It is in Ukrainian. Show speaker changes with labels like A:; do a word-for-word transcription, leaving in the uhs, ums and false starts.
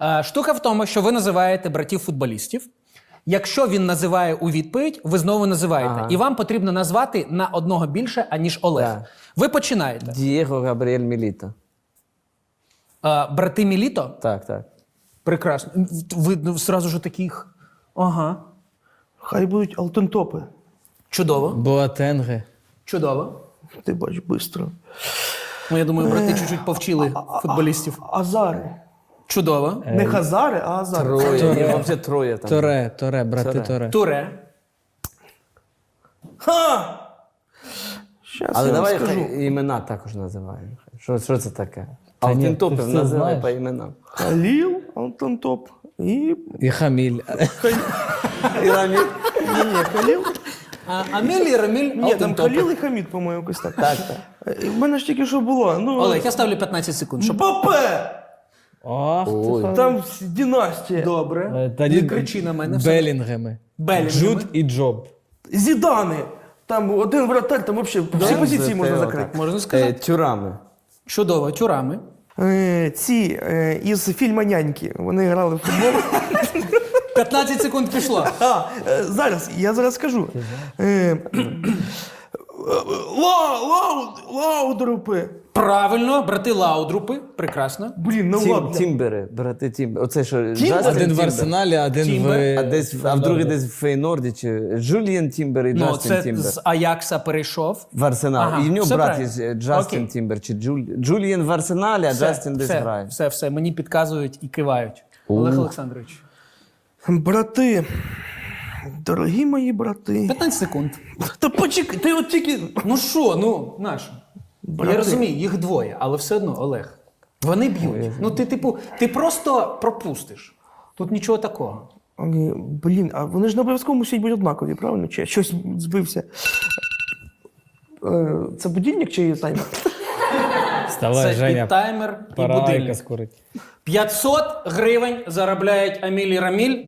A: Е, Штука в тому, що ви називаєте братів-футболістів. Якщо він називає у відповідь, ви знову називаєте.
B: Ага.
A: І вам потрібно назвати на одного більше, аніж Олег.
B: Так.
A: Ви починаєте.
B: Дієго Габріель Міліто.
A: Е, Брати Міліто?
B: Так, так.
A: Прекрасно. Ви ну, зразу ж таких. Ага.
C: Хай будуть алтентопи.
A: Чудово.
D: Боатенге.
A: Чудово.
C: Ти бач, швидко.
A: Ну, я думаю, брати чуть-чуть повчили футболістів.
C: Азари.
A: Чудово.
C: Не Хазари, а Азари.
B: Троє. Їх взагалі троє там.
D: Торе, Торе, брати
B: Торе.
D: Торе.
A: Туре.
C: Ха! Щас
B: Але
C: я вам
B: давай
C: скажу.
B: хай імена також називаємо. Що, що це таке?
D: Та ні,
B: Алтентопів
D: ти все
B: називай
D: знаєш.
B: по іменам.
C: Халіл, алтентоп. І...
D: І Хаміль.
B: І Раміль.
C: Ні, ні, Халіл.
A: А, Аміль і Раміль.
C: Ні, там
A: Алтентопи.
C: Халіл і Хамід, по-моєму, якось так.
B: Так, так.
C: Е, В мене ж тільки що було. Ну,
A: Олег, я ставлю п'ятнадцять секунд, щоб...
C: Мбапе!
D: Ох,
B: Ой.
C: Там династія.
A: Добре.
D: Е, тоді
A: Не кричи на мене. все.
D: Белінгеми.
A: Белінгеми.
D: Джуд і Джоб.
C: Зідани. Там один вратар, там взагалі всі позиції можна закрити.
A: Можна сказати.
B: Е, Тюрами.
A: Чудово, тюрами.
C: Е, Ці е, із фільму «Няньки». Вони грали в футбол.
A: п'ятнадцять секунд пішло.
C: А, е, зараз, я зараз скажу. Е, Ла, лау, Лаудрупи.
A: Правильно, брати Лаудрупи. Прекрасно.
C: Блін, ну
B: Тім,
C: ладно.
B: Тімбери, брати Тімбери. Оце що, Джастін
D: Один в
B: Тімбер.
D: Арсеналі, один
A: Тімбер.
D: в...
B: А, десь, а в другий десь в Фейнорді, чи Джуліан Тімбер і
A: Ну,
B: Джастін
A: це
B: Тімбер.
A: з Аякса перейшов.
B: В Арсенал.
A: Ага,
B: І в нього
A: все
B: брат
A: правильно.
B: є Джастін
A: Окей.
B: Тімбер, чи Джуль... Джуліан в Арсеналі, а Джастін десь
A: все,
B: грає.
A: Все, все, мені підказують і кивають. Олег Олександрович.
C: Брати. Дорогі мої брати.
A: п'ятнадцять секунд.
C: Та почекай, ти от тільки.
A: Ну що, ну, наш. Я розумію, їх двоє, але все одно, Олег. Вони б'ють. Ну, ти, типу, ти просто пропустиш. Тут нічого такого.
C: Е, Блін, а вони ж не обов'язково мусять бути однакові, правильно? Чи я щось збився? Е, Це будильник чи таймер?
D: Вставай,
A: Це
D: Женя.
A: і таймер, і
D: Пора
A: будильник.
D: Айка скорить.
A: п'ятсот гривень заробляють Аміль і Раміль.